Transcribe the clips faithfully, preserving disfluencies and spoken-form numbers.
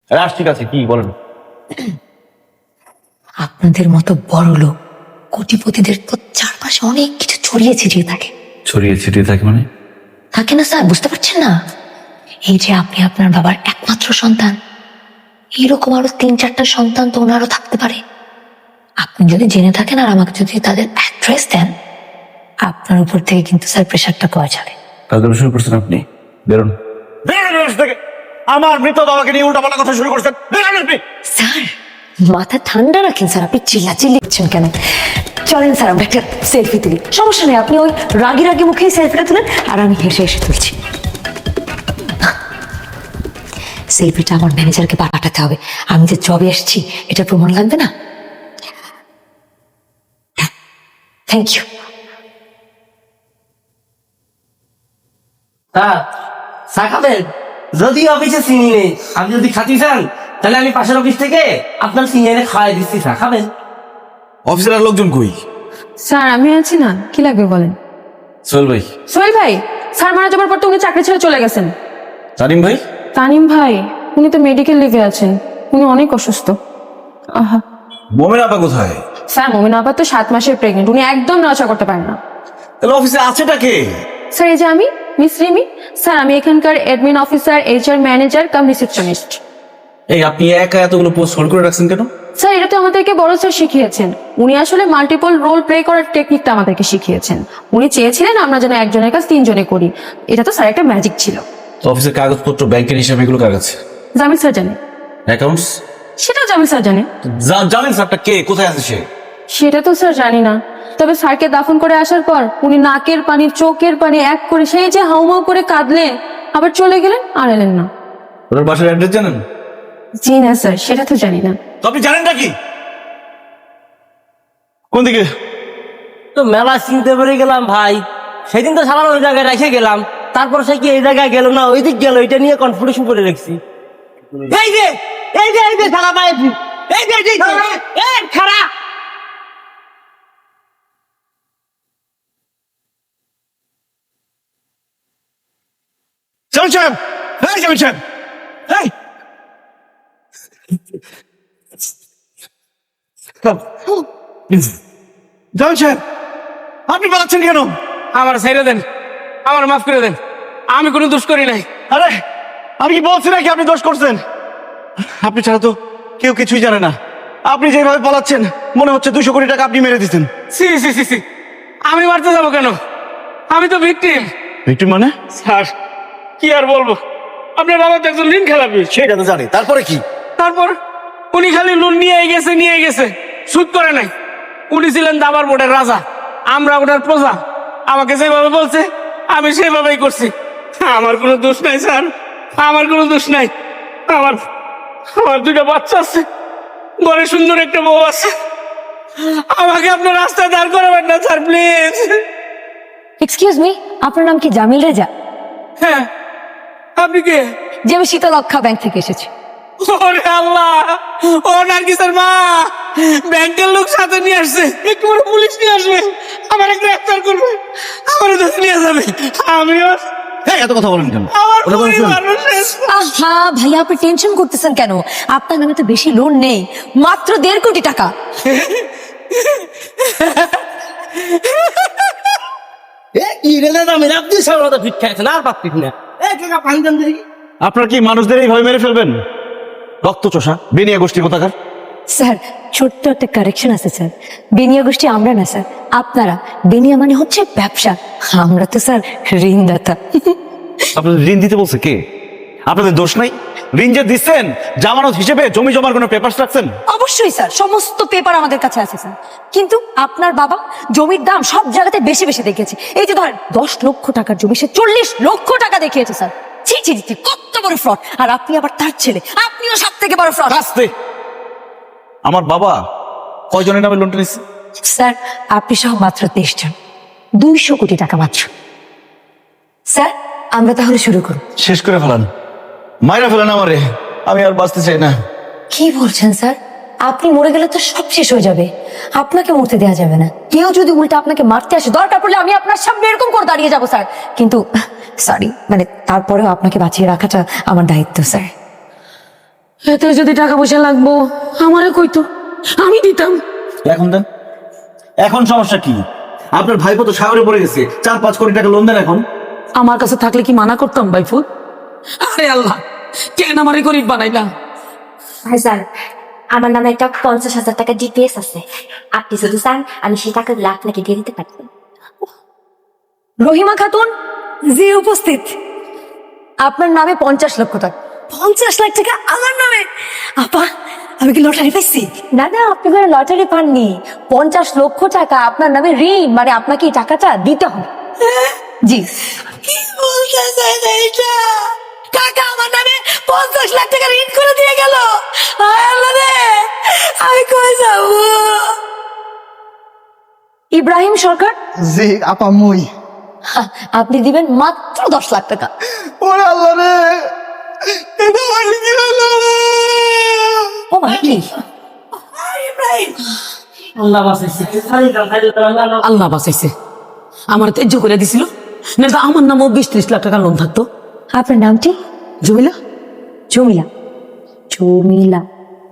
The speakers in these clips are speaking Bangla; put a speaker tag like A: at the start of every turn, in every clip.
A: রাশ ঠিক আছে, কি বলেন?
B: আপনাদের মতো বড় লোক কোটিপতিদের তো চারপাশে অনেক কিছু ছড়িয়ে ছিটিয়ে থাকে।
A: ছড়িয়ে ছিটিয়ে থাকে মানে?
B: থাকে না স্যার, বুঝতে পারছেন না? এই যে আপনি আপনার বাবার একমাত্র সন্তান, এরকম আরো তিন চারটা সন্তান তো ওনারও থাকতে পারে। আপনি যদি জেনে থাকেন আর আমাকে যদি তাদের অ্যাড্রেস দেন, আপনার উপর থেকে কিন্তু স্যার প্রেশারটা কমে যাবে।
A: কাজ শুরু করছেন আপনি, বেরোন বেরোন রাশ থেকে। আমার মৃত বাবাকে নিয়ে উল্টা পাল্টা কথা শুরু করছেন, বেরোন আপনি।
B: স্যার মাথা ঠান্ডা রাখেন স্যার, আপনি চিল্লাচিল্লি করছেন কেন? চলেন স্যার আমরা একটা সেলফি তুলি। সমস্যা নেই, আপনি ওই রাগি রাগি মুখেই সেলফিটা তুলেন আর আমি হেসে হেসে তুলছি। সেলফিটা আমার ম্যানেজারকে পাঠাতে হবে, আমি যে জবে এসেছি এটা প্রমাণ লাগবে না? Thank you.
C: হ্যাঁ, চা খাবেন? যদি অফিসে চিনি নেই, আপনি যদি খাতি চান তাহলে আমি পাশের অফিস থেকে আপনার চিনি এনে খাওয়াই দিচ্ছি। চা খাবেন?
A: অফিসের আর লোকজন কই?
D: স্যার আমি আছি না, কি লাগবে বলেন।
A: সোহেল ভাই।
D: সোহেল ভাই, স্যার মারা যাবার পর তো উনি চাকরি ছেড়ে চলে গেছেন।
A: তানিম ভাই?
D: তানিম ভাই উনি তো মেডিকেল লিভে আছেন, উনি অনেক অসুস্থ। আহা
A: মোমেন আপা কোথায়?
D: স্যার মোমিনা আপা তো সাত মাসের প্রেগনেন্ট, উনি একদম নড়াচড়া করতে পারেন না।
A: তাহলে অফিসে আছেটা কে?
D: স্যার এই যে আমি, মিস রিমি। স্যার আমি এখানকার admin officer, HR manager cum receptionist.
A: এই আপনি একা এতগুলো পোস্ট হোল্ড করে রাখছেন কেন?
D: স্যার এটা তো আমাদেরকে বড় স্যার শিখিয়েছেন, উনি আসলে মাল্টিপল রোল প্লে করার টেকনিকটা আমাদেরকে শিখিয়েছেন। উনি চেয়েছিলেন আমরা যেন একজনের কাজ তিনজনে করি, এটা তো স্যার একটা ম্যাজিক ছিল।
A: তো অফিসের কাগজপত্র, ব্যাংকের হিসাব এগুলো কার কাছে?
D: জামিল স্যার জানে।
A: অ্যাকাউন্টস?
D: সেটাও জামিল স্যার জানে।
A: জানেন স্যারটা কে, কোথায় আছে সে?
D: সেটা তো স্যার জানি না, তবে স্যারকে দাফন করে আসার পর উনি নাকের পানি চোখের পানি এক করে সেই যে হাউমাউ করে কাঁদলেন, আবার চলে গেলেন আর এলেন না।
A: ওনার বাসার অ্যাড্রেস জানেন?
D: জি না স্যার, সেটা তো জানি না।
A: তো আপনি জানেন নাকি কোন দিকে?
C: তো মেলা চিনতে পেরে গেলাম ভাই, সেদিন তো সারা ওই জায়গায় রেখে গেলাম, তারপর সে কি এই জায়গায় গেল না ওই দিক গেল, এটা নিয়ে কনফিউশন করে রেখেছি। এই যে এই যে এই যে সারা ভাই, এই যে এই যে এই খারাপ
A: জামিল সাহেব, এই জামিল সাহেব, এই জামিল সাহেব, আপনি পালাচ্ছেন কেন?
E: আমার ছেড়ে দেন, আমার মাফ করে দেন, আমি কোনো দোষ করি নাই।
A: আরে আমি কি বলছি নাকি আপনি দোষ করছেন? আপনি ছাড়া তো কেউ কিছুই জানে না। আপনি যেভাবে পালাচ্ছেন মনে হচ্ছে দুশো কোটি টাকা আপনি মেরে দিচ্ছেন।
E: সি সি সি সি আমি মারতে যাবো কেন? আমি তো ভিকটিম।
A: ভিক্টিম মানে?
E: স্যার কি আর বলবো, আপনার বাবা তো একজন ঋণ খেলাপি।
A: সেটা তো জানি, তারপরে কি?
E: তারপর উনি খালি লোন নিয়ে গেছে নিয়ে গেছে, সুদ করে নাই। উনি ছিলেন দাবার বোর্ডের রাজা, আমরা ওনার প্রজা। আমাকে যেভাবে বলছে আমি সেভাবেই করছি। আমার কোনো দোষ নাই স্যার, আমার কোনো দোষ নাই। আমার আমার দুটো বাচ্চা আছে, ঘরে সুন্দর একটা বউ আছে। আমাকে আপনার রাস্তায় দাঁড় করাবেন না স্যার, প্লিজ।
B: এক্সকিউজ মি, আপনার নাম কি জামিল রেজা?
E: হ্যাঁ, আপনি কে?
B: যে আমি শীতলক্ষা ব্যাংক থেকে এসেছি।
E: ওরে আল্লাহ, ও নার্গিসের মা, ব্যাংকের লোক সাথে নিয়ে আসছে, একটু পরে পুলিশ নিয়ে আসবে, আমার গ্রেফতার করবে, আমার ধরে নিয়ে যাবে। আমিও
A: এত কথা বলেন কেন?
E: আমার পরিবারও শেষ।
B: আহা ভাইয়া, আপনি টেনশন করতেছেন কেন? আপনার নামে তো বেশি লোন নেই, মাত্র দেড় কোটি টাকা।
C: আপনি সামনে ফিট খাইছেন আর পাপ ফিট না। এই কাকা পানি দেন দেখি।
A: আপনার কি মানুষদের এইভাবে মেরে ফেলবেন? রক্ত চোষা বেনিয়া গোষ্ঠী কোথাকার।
B: স্যার ছোট্ট একটা কারেকশন আছে স্যার, বেনিয়া গোষ্ঠী আমরা না স্যার, আপনারা। বেনিয়া মানে হচ্ছে ব্যবসা, আমরা তো স্যার ঋণদাতা।
A: আপনাদের ঋণ দিতে বলছে কে? আপনাদের দোষ নাই? ঋণ যে দিচ্ছেন জামানত হিসেবে জমি জমার কোনো পেপারস রাখছেন?
B: অবশ্যই স্যার, সমস্ত পেপার আমাদের কাছে আছে স্যার। কিন্তু আপনার বাবা জমির দাম সব জায়গাতে বেশি বেশি দেখিয়েছে। এই যে ধরেন দশ লক্ষ টাকার জমি সে চল্লিশ লক্ষ টাকা দেখিয়েছে স্যার। ছি ছি ছি, কত বড় ফ্রড! আর আপনি আবার তার ছেলে, আপনিও সব থেকে বড় ফ্রড।
A: আস্তে। আমার বাবা কয়জনের নামে লোনটা নিচ্ছে?
B: স্যার আপনি সহ মাত্র তেইশ জন, দুইশো কোটি টাকা মাত্র। স্যার আমরা তাহলে শুরু করুন।
A: শেষ করে ফেলান, মাইরা ফেলান আমারে, আমি আর বাঁচতে চাই না।
B: কি বলছেন স্যার? আপনি মরে গেলে তো সব শেষ হয়ে যাবে, আপনাকে মরতে দেওয়া যাবে না। কেউ যদি উল্টা আপনাকে মারতে আসে, দরকার পড়লে আমি আপনার সামনে এরকম করে দাঁড়িয়ে যাবো স্যার। কিন্তু সরি, মানে তারপরেও আপনাকে বাঁচিয়ে রাখাটা আমার দায়িত্ব স্যার।
F: এতে যদি টাকা পয়সা লাগবো আমারে কইতো, আমি দিতাম।
A: এখন দেন। এখন সমস্যা কি? আপনার ভাইপো তো সাগরে পড়ে গেছে, চার পাঁচ কোটি টাকা লোন দেন এখন।
F: আমার কাছে থাকলে কি মানা করতাম বাইফুত? আরে আল্লাহ, কেন আমারে গরিব বানাইলা?
B: ভাইজান, আমার নামে একটা পঞ্চাশ হাজার টাকা ডিপিএস আছে। আপনি যদি চান আমি সেই টাকাগুলো আপনাকে দিয়ে দিতে পারি।
G: রহিমা খাতুন জি উপস্থিত। আপনার নামে পঞ্চাশ লক্ষ টাকা। পঞ্চাশ লাখ টাকা আমার নামে? আপা, আমি কি লটারি পাইছি?
B: না না, আপনি কোনো লটারি পাননি। পঞ্চাশ লক্ষ টাকা আপনার নামে ঋণ, মানে আপনাকে এই টাকাটা দিতে হবে। জি।
G: কি বলতেছেন এইটা? কাকা আমার নামে পঞ্চাশ লাখ টাকা ঋণ করে দিয়ে গেল। আয় আল্লাহ রে, আমি কই যাব?
B: ইব্রাহিম সরকার,
A: জি আপা মুই।
B: হা, আপনি দিবেন মাত্র দশ লাখ টাকা।
A: ওরে আল্লাহ রে, এটা আমি কি হলো রে?
B: ও ভাই কি?
G: ইব্রাহিম,
C: আল্লাহ বাঁচাইছে।
F: আল্লাহ বাঁচাইছে, আমার তেজ্য করে দিছিল, না তো আমার নামও বিশ ত্রিশ লাখ টাকা লোন থাকতো।
B: আপনার নামটি?
F: জমিলা।
B: জমিলা। জমিলা,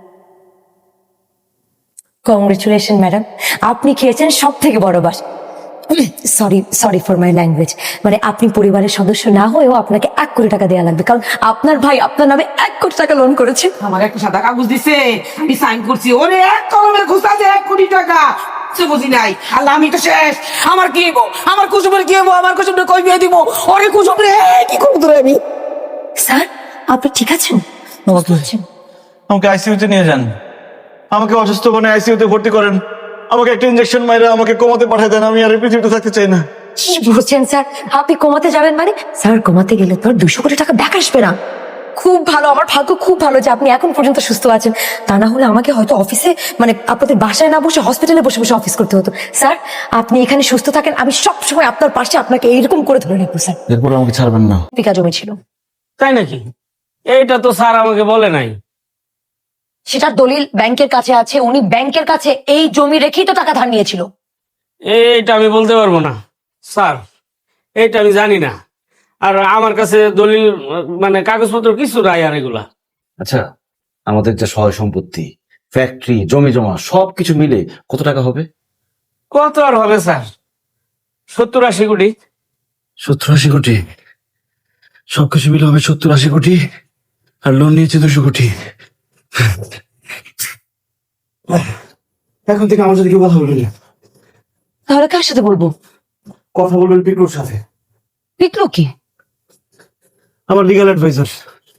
B: কংগ্রেচুলেশন ম্যাডাম, আপনি খেয়েছেন সব থেকে বড় বাস। Sorry sorry for my language, মানে আপনি পরিবারের সদস্য না হয়েও আপনাকে এক কোটি টাকা দেওয়া লাগবে, কারণ আপনার ভাই আপনার নামে এক কোটি টাকা লোন করেছে।
F: আমার একটা সাদা কাগজ দিছে, আমি সাইন করছি, ওরে এক কলমের ঘুষা আছে এক কোটি টাকা। সে বুঝি নাই, আল্লাহ আমি তো শেষ। আমার কি হইব? আমার কুসুমের কি হইব? আমার কুসুমটা কই বিয়ে দিব? ওরে কুসুম রে, কি করবো তোরে আমি?
B: স্যার, আপনি ঠিক আছেন? আছেন।
A: আমাকে আইসিইউতে নিয়ে যান, আমাকে অসুস্থ বনে আইসিইউতে ভর্তি করেন, আমাকে একটা ইনজেকশন মাইরে আমাকে কমাতে পাঠায় দেন। আমি আর এই পৃথিবীতে থাকতে চাই না।
B: কি বলছেন স্যার? আপনি কমাতে যাবেন মানে? স্যার, কমাতে গেলে তো আর দুশো কোটি টাকা ব্যাক আসবে না। খুব ভালো, আমার ভাগ্য খুব ভালো যে আপনি এখন পর্যন্ত সুস্থ আছেন। তা না হলে আমাকে হয়তো অফিসে, মানে আপনাদের বাসায় না বসে হসপিটালে বসে বসে অফিস করতে হতো। স্যার, আপনি এখানে সুস্থ থাকেন, আমি সব সময় আপনার পাশে আপনাকে এইরকম করে ধরে রাখবো। স্যার,
A: এরপর আমাকে ছাড়বেন না।
B: বিঘা জমি ছিল,
E: তাই নাকি? এইটা তো স্যার আমাকে বলে নাই।
B: সেটার দলিল ব্যাংকের কাছে আছে। উনি ব্যাংকের কাছে এই জমি রেখেই তো টাকা ধার নিয়েছিল।
E: এইটা আমি বলতে পারবো না স্যার, এইটা আমি জানি না। আর আমার কাছে দলিল মানে কাগজপত্র কিছু নাই আর এগুলা।
H: আচ্ছা, আমাদের যে সহায় সম্পত্তি, ফ্যাক্টরি, জমি জমা সবকিছু মিলে কত টাকা হবে?
E: কত আর হবে স্যার? সত্তর আশি কোটি।
H: সত্তর আশি কোটি? সবকিছু মিলে হবে সত্তর আশি কোটি, আর লোন নিয়েছে দুশো কোটি।
A: এখন থেকে আমার সাথে কেউ কথা বলবেন না।
B: তাহলে কার সাথে বলবো?
A: কথা বলবেন পিকলুর সাথে,
B: পিকলু কি?
A: আমার লিগ্যাল অ্যাডভাইজার।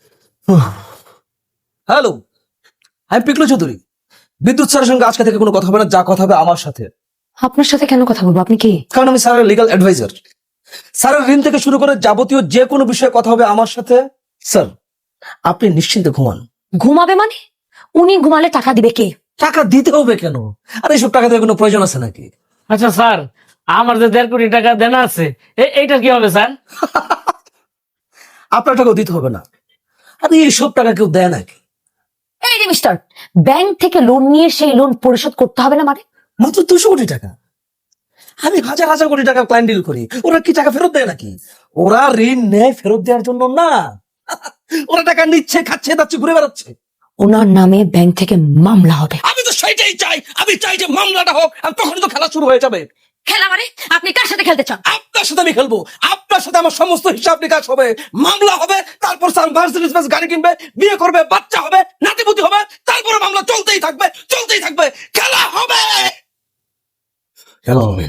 I: হ্যালো, আমি পিকলু চৌধুরী। বিদ্যুৎ স্যারের সঙ্গে আজকে থেকে কোনো কথা হবে না, যা কথা হবে আমার সাথে।
B: আপনার সাথে কেন কথা বলবো? আপনি কি?
I: কারণ আমি স্যারের লিগ্যাল অ্যাডভাইজার। স্যারের ঋণ থেকে শুরু করে যাবতীয় যে কোনো বিষয়ে কথা হবে আমার সাথে। স্যার, আপনি নিশ্চিন্তে ঘুমান।
B: ঘুমাবে মানে? উনি ঘুমালে টাকা দিবে কে?
I: টাকা দিতে হবে কেন? আর এইসব টাকা দেওয়ার কোনো প্রয়োজন আছে নাকি?
E: আচ্ছা স্যার, আমার যে দেড় কোটি টাকা দেনা আছে, এ- এইটা কি হবে স্যার?
I: আপনার টাকাও দিতে হবে না। আর এইসব টাকা কেউ দেয় নাকি?
B: এই যে মিস্টার, ব্যাংক থেকে লোন নিয়ে সেই লোন পরিশোধ করতে হবে না মানে?
I: মাত্র দুশো কোটি টাকা। আমি হাজার হাজার কোটি টাকা ক্লায়েন্ট ডিল করি, ওরা কি টাকা ফেরত দেয় নাকি? ওরা ঋণ নেয় ফেরত দেওয়ার জন্য না। ওরা টাকা নিচ্ছে, খাচ্ছে, যাচ্ছে, ঘুরে বেড়াচ্ছে।
B: ওনার নামে ব্যাংক থেকে মামলা হবে।
I: আমি তো সেটাই চাই। আমি চাই যে মামলাটা হোক, আর তখনই তো খেলা শুরু হয়ে যাবে।
B: খেলা মানে? আপনি কার সাথে খেলতে চান?
I: আপনার সাথে আমি খেলবো, আপনার সাথে আমার সমস্ত হিসাব নিকাশ হবে, মামলা হবে, তারপর মার্সিডিজ গাড়ি কিনবে, বিয়ে করবে, বাচ্চা হবে, নাতিপুতি হবে, তারপরে মামলা চলতেই থাকবে, চলতেই থাকবে, খেলা হবে, খেলা হবে।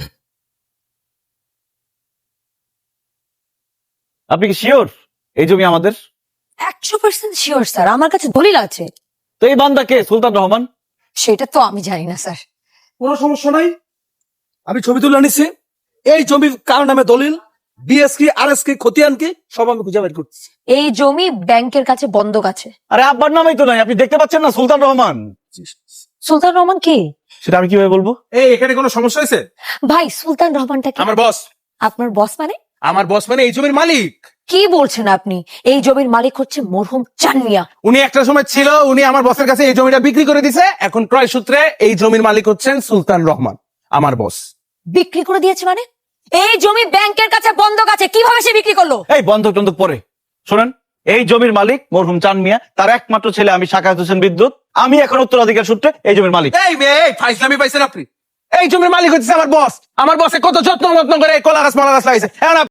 A: আপনি কি শিওর এই জমি আমাদের?
G: একশো পার্সেন্ট শিওর স্যার, আমার কাছে দলিল আছে।
A: তো এই বান্দা কে? সুলতান রহমান?
G: সেটা তো আমি জানি না স্যার।
I: কোনো সমস্যা নাই, আমি ছবি তুলে নিচ্ছি। এই জমি কার নামে দলিল, বিএস কি, আর এস কি, খতিয়ান কি, সব আমি খুঁজে বের করছি।
G: এই জমি ব্যাংকের কাছে বন্ধক আছে।
A: আরে আব্বার নামেই তো নাই, আপনি দেখতে পাচ্ছেন না? সুলতান রহমান।
G: সুলতান রহমান কি?
A: সেটা আমি কিভাবে বলবো?
J: এই এখানে কোনো সমস্যা হয়েছে?
G: ভাই, সুলতান রহমানটা কি?
J: আমার বস।
G: আপনার বস মানে?
J: আমার বস মানে এই জমির মালিক।
G: কি বলছেন আপনি? এই জমির মালিক হচ্ছে মরহুম চান মিয়া।
J: উনি একটা সময় ছিল, উনি আমার বসের কাছে এই জমিটা বিক্রি করে দিছে। এখন ক্রয় সূত্রে এই জমির মালিক হচ্ছেন সুলতান রহমান, আমার বস।
G: বিক্রি করে দিয়েছে মানে? এই জমি ব্যাংকের কাছে বন্ধক আছে, কিভাবে সে বিক্রি করলো?
A: এই বন্ধক টন্ধক পরে শোনেন, এই জমির মালিক মরহুম চান মিয়া, তার একমাত্র ছেলে আমি সাকাত হোসেন বিদ্যুৎ। আমি এখন উত্তরাধিকার সূত্রে এই জমির মালিক।
J: এই মেয়ে এই ফাইজলামি পাইছেন আপনি? এই জমির মালিক হচ্ছে আমার বস। আমার বসে কত যত্ন যত্ন করে কলা গাছ মালা গাছ লাগাইছে। এখন